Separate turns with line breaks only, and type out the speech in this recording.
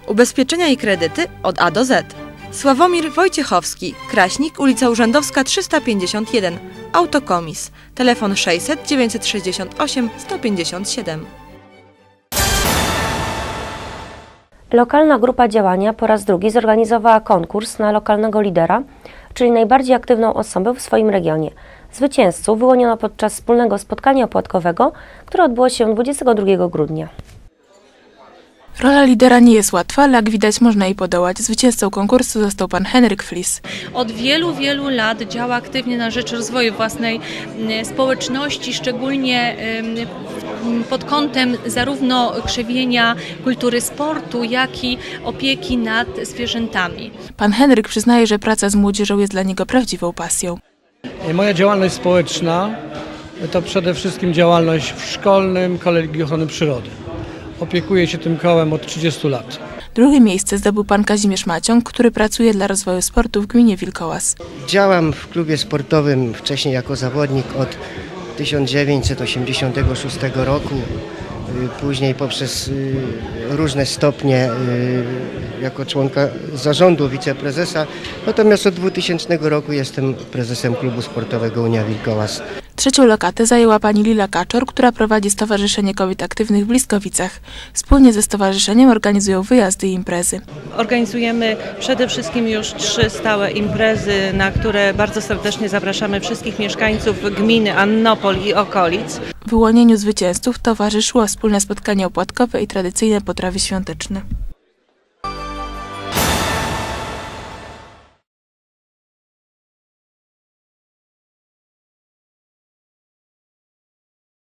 Ubezpieczenia i kredyty od A do Z. Sławomir Wojciechowski, Kraśnik, ulica Urzędowska 351, Autokomis, telefon 600 968 157.
Lokalna grupa działania po raz drugi zorganizowała konkurs na lokalnego lidera, czyli najbardziej aktywną osobę w swoim regionie. Zwycięzców wyłoniono podczas wspólnego spotkania opłatkowego, które odbyło się 22 grudnia.
Rola lidera nie jest łatwa, ale jak widać można jej podołać. Zwycięzcą konkursu został pan Henryk Flis.
Od wielu lat działa aktywnie na rzecz rozwoju własnej społeczności, szczególnie pod kątem zarówno krzewienia kultury sportu, jak i opieki nad zwierzętami.
Pan Henryk przyznaje, że praca z młodzieżą jest dla niego prawdziwą pasją.
Moja działalność społeczna to przede wszystkim działalność w szkolnym Kolegium Ochrony Przyrody. Opiekuję się tym kołem od 30 lat.
Drugie miejsce zdobył pan Kazimierz Maciąg, który pracuje dla rozwoju sportu w gminie Wilkołas.
Działam w klubie sportowym wcześniej jako zawodnik od 1986 roku, później poprzez różne stopnie jako członka zarządu, wiceprezesa, natomiast od 2000 roku jestem prezesem klubu sportowego Unia Wilkołas.
Trzecią lokatę zajęła pani Lila Kaczor, która prowadzi Stowarzyszenie Kobiet Aktywnych w Bliskowicach. Wspólnie ze stowarzyszeniem organizują wyjazdy i imprezy.
Organizujemy przede wszystkim już 3 stałe imprezy, na które bardzo serdecznie zapraszamy wszystkich mieszkańców gminy Annopol i okolic.
Wyłonieniu zwycięzców towarzyszyło wspólne spotkanie opłatkowe i tradycyjne potrawy świąteczne.